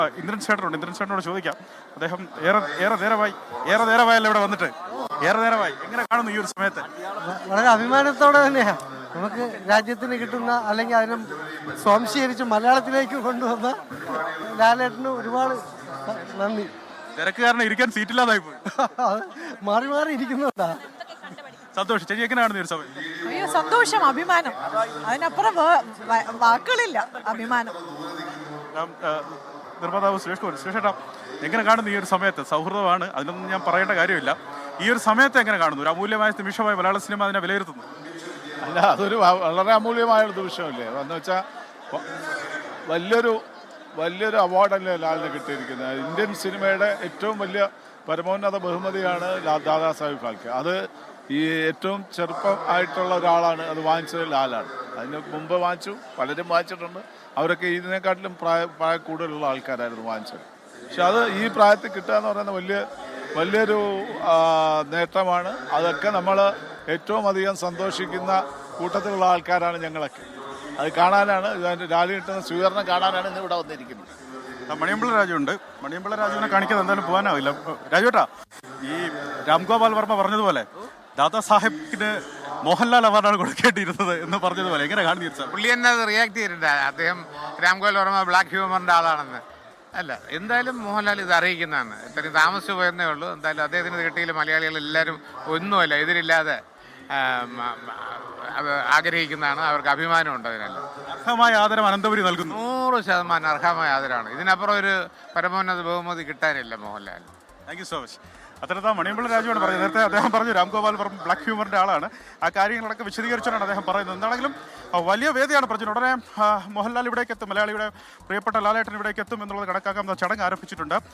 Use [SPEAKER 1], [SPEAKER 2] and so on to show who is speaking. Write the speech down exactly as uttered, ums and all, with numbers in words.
[SPEAKER 1] ഇന്ദ്രൻ ചേട്ടനുണ്ട്. ഇന്ദ്രൻ ചേട്ടനോട് ചോദിക്കാം. അദ്ദേഹം ഏറെ ഏറെ നേരമായി ഏറെ നേരമായല്ലോ ഇവിടെ വന്നിട്ട്, ഏറെ നേരമായി എങ്ങനെ കാണുന്നു ഈ ഒരു സമയത്ത്?
[SPEAKER 2] വളരെ അഭിമാനത്തോടെ തന്നെയാണ് നമുക്ക് രാജ്യത്തിന് കിട്ടുന്ന, അല്ലെങ്കിൽ അതിനെ സ്വാംശീകരിച്ച് മലയാളത്തിലേക്ക് കൊണ്ടുവന്ന ലാലേട്ടന് ഒരുപാട് നന്ദി.
[SPEAKER 1] തിരക്ക് കാരണം ഇരിക്കാൻ സീറ്റില്ലാതായി പോയി.
[SPEAKER 2] മാറി മാറി ഇരിക്കുന്നുണ്ടാ.
[SPEAKER 1] സന്തോഷം. ചേച്ചി എങ്ങനെ കാണുന്നു ഈ ഒരു സമയം?
[SPEAKER 3] അയ്യോ സന്തോഷം, അഭിമാനം, അതിനപ്പുറം വേ- വ- വാക്കുകളില്ല. അഭിമാനം.
[SPEAKER 1] ഞാൻ, ആ, നിർമ്മാതാവ് സുരേഷ് കുമാർ, സുരേഷ് ഏട്ടാ എങ്ങനെ കാണുന്നു ഈ ഒരു സമയത്ത്? സൗഹൃദമാണ്, അതിനൊന്നും ഞാൻ പറയേണ്ട കാര്യമില്ല. ഈ ഒരു സമയത്ത് എങ്ങനെ കാണുന്നു? ഒരു അമൂല്യമായ നിമിഷമായി മലയാള സിനിമ അതിനെ വിലയിരുത്തുന്നു.
[SPEAKER 4] അല്ല, അതൊരു വ- വളരെ അമൂല്യമായ ഒരു നിമിഷമല്ലേ. എന്ന് വെച്ചാൽ വലിയൊരു വലിയൊരു അവാർഡല്ലേ ലാലിന് കിട്ടിയിരിക്കുന്നത്. ഇന്ത്യൻ സിനിമയുടെ ഏറ്റവും വലിയ പരമോന്നത ബഹുമതിയാണ് ലാ- ദാദാ സാഹിബ് ഫാൽക്കെ. അത് ഈ ഏറ്റവും ചെറുപ്പം ആയിട്ടുള്ള ഒരാളാണ് അത് വാങ്ങിച്ചത് ലാലാണ്. അതിന് മുമ്പ് വാങ്ങിച്ചു, പലരും വാങ്ങിച്ചിട്ടുണ്ട്. അവരൊക്കെ ഇതിനെക്കാട്ടിലും പ്രായ പ്രായ കൂടുതലുള്ള ആൾക്കാരായിരുന്നു വാങ്ങിച്ചത്. പക്ഷെ അത് ഈ പ്രായത്തിൽ കിട്ടുക എന്ന് പറയുന്നത് വലിയ വലിയൊരു ആ, നേട്ടമാണ്. അതൊക്കെ നമ്മൾ ഏറ്റവും അധികം സന്തോഷിക്കുന്ന കൂട്ടത്തിലുള്ള ആൾക്കാരാണ് ഞങ്ങളൊക്കെ. അത് കാണാനാണ്, ഇതിൻ്റെ ലാലി കിട്ടുന്ന സ്വീകരണം കാണാനാണ് ഇന്ന് ഇവിടെ വന്നിരിക്കുന്നത്.
[SPEAKER 1] ആ, മണിയമ്പിള്ള രാജു ഉണ്ട്. മണിയമ്പിള്ള രാജുവിനെ കാണിക്കാതെ എന്തായാലും പോകാനാവില്ല. രാജുവേട്ടാ, ഈ രാംഗോപാൽ വർമ്മ പറഞ്ഞതുപോലെ ദാദാ സാഹിബിന് മോഹൻലാൽ അവാർഡാണ് കൊടുക്കേണ്ടിയിരുന്നത് എന്ന് പറഞ്ഞതുപോലെ എങ്ങനെ കാണുന്നു ഈ ഒരു സമയം?
[SPEAKER 5] പുള്ളി തന്നെ അത് റിയാക്ട് ചെയ്തിട്ടുണ്ട്. അദ്ദേഹം രാംഗോപാൽ വർമ്മ ബ്ലാക്ക് ഹ്യൂമറിന്റെ ആളാണെന്ന്. അല്ല, എന്തായാലും മോഹൻലാൽ ഇത് അറിയിക്കുന്നതാണ്. ഇത്രയും താമസിച്ചു പോയെന്നേ ഉള്ളൂ. എന്തായാലും അദ്ദേഹത്തിന് കിട്ടിയില്ല. മലയാളികൾ എല്ലാവരും ഒന്നുമല്ല, എതിരില്ലാതെ ആ, മ- മ- അത് ആഗ്രഹിക്കുന്നതാണ്. അവർക്ക് അഭിമാനമുണ്ട്. അതിനെല്ലാം
[SPEAKER 1] അർഹമായ ആദരം അനന്തപുരി നൽകുന്നു.
[SPEAKER 5] നൂറ് ശതമാനം അർഹമായ ആദരവാണ്. ഇതിനപ്പുറം ഒരു പരമോന്നത ബഹുമതി കിട്ടാനില്ല Mohanlal.
[SPEAKER 1] Thank you so much. അത്തരത്താ മണിയമ്പിള്ള രാജുവാണ് പറഞ്ഞത്. നേരത്തെ അദ്ദേഹം പറഞ്ഞു രാംഗോപാൽ വർമ്മ ബ്ലാക്ക് ഹ്യൂമറിന്റെ ആളാണ്. ആ കാര്യങ്ങളൊക്കെ വിശദീകരിച്ചാണ് അദ്ദേഹം പറയുന്നത്. എന്താണെങ്കിലും ആ, വലിയ വേദിയാണ് പ്രചുരം. ഉടനെ ആ, മോഹൻലാൽ ഇവിടേക്ക് എത്തും, മലയാളിയുടെ പ്രിയപ്പെട്ട ലാലേട്ടൻ ഇവിടേക്ക് എത്തും എന്നുള്ളത് കണക്കാക്കാൻ ചടങ്ങ് ആരംഭിച്ചിട്ടുണ്ട്.